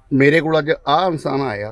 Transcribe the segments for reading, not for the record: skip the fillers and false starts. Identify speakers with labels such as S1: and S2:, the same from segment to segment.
S1: ਮੇਰੇ ਕੋਲ ਅੱਜ ਆਹ ਇਨਸਾਨ ਆਇਆ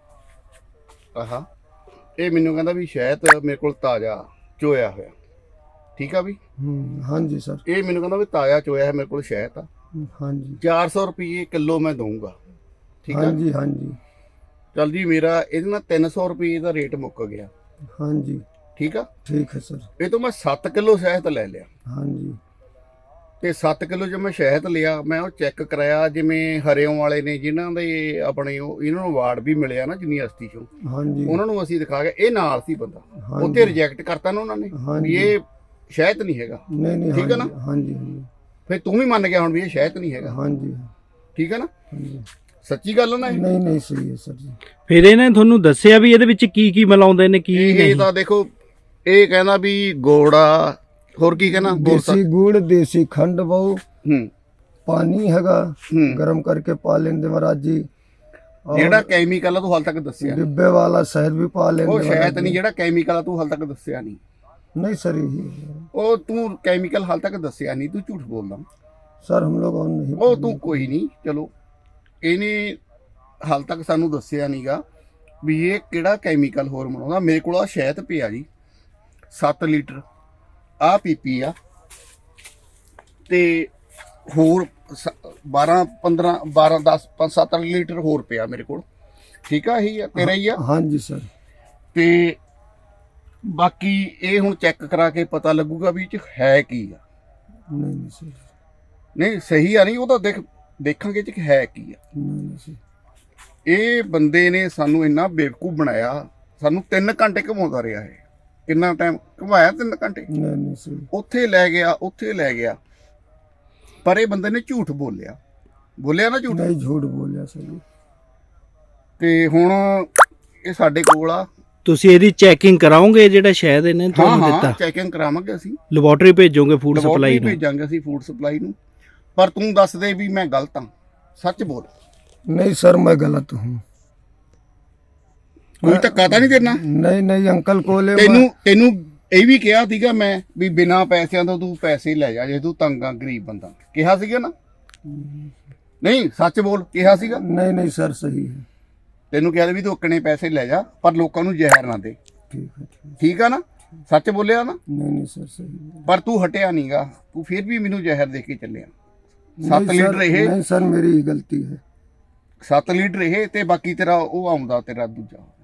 S1: ਆਹਾ ਇਹ ਮੈਨੂੰ ਕਹਿੰਦਾ ਵੀ ਸ਼ਹਿਦ ਮੇਰੇ ਕੋਲ ਤਾਜ਼ਾ ਚੋਇਆ ਹੋਇਆ ਠੀਕ ਆ ਵੀ
S2: हाँ जी सर।
S1: ਇਹ ਮੈਨੂੰ ਕਹਿੰਦਾ ਵੀ ਤਾਜ਼ਾ ਚੋਇਆ ਹੈ ਮੇਰੇ ਕੋਲ ਸ਼ਹਿਦ ਆ
S2: हाँ जी
S1: 400 ਰੁਪਏ ਕਿਲੋ ਮੈਂ ਦਊਂਗਾ ਠੀਕ
S2: हाँ
S1: ਆ
S2: जी हाँ जी
S1: ਚੱਲ ਜੀ ਮੇਰਾ ਇਹਦੇ ਨਾਲ 300 ਰੁਪਏ ਦਾ ਰੇਟ ਮੁੱਕ ਗਿਆ
S2: हाँ जी
S1: ਠੀਕ ਆ
S2: ठीक है सर।
S1: ਇਹ ਤੋਂ ਮੈਂ 7 ਕਿਲੋ ਸ਼ਹਿਦ ਲੈ ਲਿਆ
S2: हाँ जी
S1: ਤੇ 7 ਕਿਲੋ ਜੋ ਮੈਂ ਸ਼ਹਿਦ ਲਿਆ ਮੈਂ ਉਹ ਚੈੱਕ ਕਰਾਇਆ ਜਿਵੇਂ ਹਰਿਓਂ ਵਾਲੇ ਨੇ ਜਿਨ੍ਹਾਂ ਦੇ ਆਪਣੇ ਉਹ ਇਹਨਾਂ ਨੂੰ ਅਵਾਰਡ ਵੀ ਮਿਲਿਆ ਨਾ ਯੂਨੀਵਰਸਿਟੀ ਚੋਂ
S2: हाँ जी
S1: ਉਹਨਾਂ ਨੂੰ ਅਸੀਂ ਦਿਖਾ ਕੇ ਇਹ ਨਾਲ ਸੀ ਬੰਦਾ
S2: हाँ
S1: ਉੱਥੇ ਰਿਜੈਕਟ ਕਰਤਾ ਨਾ ਉਹਨਾਂ ਨੇ
S2: हाँ
S1: ਵੀ
S2: जी
S1: ਇਹ ਸ਼ਹਿਦ ਨਹੀਂ ਹੈਗਾ
S2: नहीं नहीं
S1: ठीक है
S2: हाँ
S1: ना?
S2: जी हाँ जी हाँ जी
S1: ਫਿਰ ਤੂੰ ਵੀ ਮੰਨ ਗਿਆ ਹੁਣ ਵੀ ਇਹ ਸ਼ਹਿਦ ਨਹੀਂ ਹੈਗਾ
S2: हाँ जी
S1: ਠੀਕ ਹੈ ਨਾ
S2: हाँ जी
S1: ਸੱਚੀ ਗੱਲ ਆ ਨਾ ਇਹ?
S2: नहीं नहीं सही है सर जी।
S3: ਫਿਰ ਇਹਨੇ ਤੁਹਾਨੂੰ ਦੱਸਿਆ ਵੀ ਇਹਦੇ ਵਿੱਚ ਕੀ ਕੀ ਮਿਲਾਉਂਦੇ ਨੇ ਕੀ
S1: ਇਹ
S3: ਨਹੀਂ
S1: ਤਾਂ ਦੇਖੋ ਇਹ ਕਹਿੰਦਾ ਵੀ ਗੋੜਾ ਹੋਰ ਕੀ ਕਹਿੰਦਾ ਬੋਲ
S2: देसी गुड़ देसी खंड बहु
S1: ਹੂੰ
S2: पानी हैगा
S1: हम्म।
S2: गरम करके पा लेंगे महाराज जी। और
S1: ਜਿਹੜਾ ਕੈਮੀਕਲ ਆ ਤੂੰ ਹਾਲ ਤੱਕ ਦੱਸਿਆ ਨੀ।
S2: डिब्बे वाला शहद भी पा लेंगे
S1: ਉਹ
S2: महाराज
S1: ਸ਼ਹਿਦ
S2: जी।
S1: ਨਹੀਂ ਜਿਹੜਾ ਕੈਮੀਕਲ ਆ ਤੂੰ ਹਾਲ ਤੱਕ ਦੱਸਿਆ ਨਹੀਂ
S2: नहीं सर यही है।
S1: ਉਹ ਤੂੰ ਕੈਮੀਕਲ ਹਾਲ ਤੱਕ ਦੱਸਿਆ ਨਹੀਂ ਤੂੰ ਝੂਠ ਬੋਲਦਾ
S2: सर हम लोग और नहीं
S1: ਉਹ ਤੂੰ ਕੋਈ ਨਹੀਂ ਚਲੋ ਇਹਨੇ ਹਾਲ ਤੱਕ ਸਾਨੂੰ ਦੱਸਿਆ ਨਹੀਂਗਾ ਵੀ ਇਹ ਕਿਹੜਾ ਕੈਮੀਕਲ ਹੋਰ ਬਣਾਉਂਦਾ ਮੇਰੇ ਕੋਲ ਆ ਸ਼ਹਿਦ ਪਿਆ ਜੀ 7 ਲੀਟਰ ਆ ਪੀਪੀ ਆ ਤੇ ਹੋਰ 12 15 12 10 5 7 ਲੀਟਰ ਹੋਰ ਪਿਆ ਮੇਰੇ ਕੋਲ ਠੀਕ ਆ ਇਹੀ ਆ ਤੇਰਾ ਹੀ ਆ
S2: हाँ जी सर।
S1: ਤੇ ਬਾਕੀ ਇਹ ਹੁਣ ਚੈੱਕ ਕਰਾ ਕੇ ਪਤਾ ਲੱਗੂਗਾ ਵੀ ਇਹ ਚ ਹੈ ਕੀ ਆ
S2: नहीं नहीं सर
S1: ਨਹੀਂ ਸਹੀ ਆ ਨਹੀਂ ਉਹ ਤਾਂ ਦੇਖਾਂਗੇ ਇਹ ਚ ਹੈ ਕੀ ਆ
S2: नहीं नहीं सर।
S1: ਇਹ ਬੰਦੇ ਨੇ ਸਾਨੂੰ ਇੰਨਾ ਬੇਵਕੂਫ ਬਣਾਇਆ ਸਾਨੂੰ 3 ਘੰਟੇ ਘੁਮਾਉਂਦਾ ਰਿਹਾ ਹੈ ਕਿੰਨਾ ਟਾਈਮ ਘੁਮਾਇਆ 3 ਘੰਟੇ
S2: नहीं नहीं सर।
S1: ਉੱਥੇ ਲੈ ਗਿਆ ਪਰ ਇਹ ਬੰਦੇ ਨੇ ਝੂਠ ਬੋਲਿਆ ਨਾ ਝੂਠ
S2: नहीं झूठ बोलिया सर जी।
S1: ਤੇ ਹੁਣ ਇਹ ਸਾਡੇ ਕੋਲ ਆ
S3: ਤੁਸੀਂ ਇਹਦੀ ਚੈਕਿੰਗ ਕਰਾਓਗੇ ਜਿਹੜਾ ਸ਼ਹਿਦ ਇਹਨੇ
S1: ਹਾਂ
S3: ਤੁਹਾਨੂੰ
S1: ਹਾਂ
S3: ਦਿੱਤਾ
S1: ਚੈਕਿੰਗ ਕਰਾਵਾਂਗੇ ਅਸੀਂ
S3: ਲੈਬੋਰੇਟਰੀ ਭੇਜੋਗੇ ਫੂਡ
S1: ਲੈਬੋਰਟਰੀ
S3: ਸਪਲਾਈ ਨੂੰ
S1: ਭੇਜਾਂਗੇ ਅਸੀਂ ਫੂਡ ਸਪਲਾਈ ਨੂੰ ਪਰ ਤੂੰ ਦੱਸ ਦੇ ਵੀ ਮੈਂ ਗਲਤ ਹਾਂ ਸੱਚ ਬੋਲ
S2: नहीं सर मैं गलत हूँ।
S1: ਕੋਈ ਧੱਕਾ ਤਾਂ ਨਹੀਂ ਦੇਣਾ
S2: नहीं नहीं अंकल को ले
S1: ਤੈਨੂੰ ਇਹ ਵੀ ਕਿਹਾ ਸੀਗਾ ਮੈਂ ਵੀ ਬਿਨਾਂ ਪੈਸਿਆਂ ਤੋਂ ਤੂੰ ਪੈਸੇ ਲੈ ਜਾ ਜੇ ਤੂੰ ਤੰਗ ਆ ਗਰੀਬ ਬੰਦਾ ਕਿਹਾ ਸੀਗਾ ਨਾ ਨਹੀਂ ਸੱਚ ਬੋਲ ਕਿਹਾ ਸੀਗਾ
S2: नहीं नहीं सर सही है।
S1: ਤੈਨੂੰ ਕਿਹਾ ਵੀ ਤੂੰ ਅੱਕਣੇ ਪੈਸੇ ਲੈ ਜਾ ਪਰ ਲੋਕਾਂ ਨੂੰ ਜ਼ਹਿਰ ਨਾ ਦੇ
S2: ठीक है ठीक।
S1: ਠੀਕ ਆ ਨਾ ਸੱਚ ਬੋਲਿਆ ਨਾ
S2: नहीं नहीं सर सही है।
S1: ਪਰ ਤੂੰ ਹਟਿਆ ਨਹੀਂਗਾ ਤੂੰ ਫਿਰ ਵੀ ਮੈਨੂੰ ਜ਼ਹਿਰ ਦੇ ਕੇ ਚੱਲਿਆ
S2: नहीं
S1: 7
S2: सर,
S1: ਲੀਟਰ ਇਹ
S2: नहीं सर मेरी ही गलती है।
S1: 7 ਲੀਟਰ ਇਹ ਤੇ ਬਾਕੀ ਤੇਰਾ ਉਹ ਆਉਂਦਾ ਤੇਰਾ ਦੂਜਾ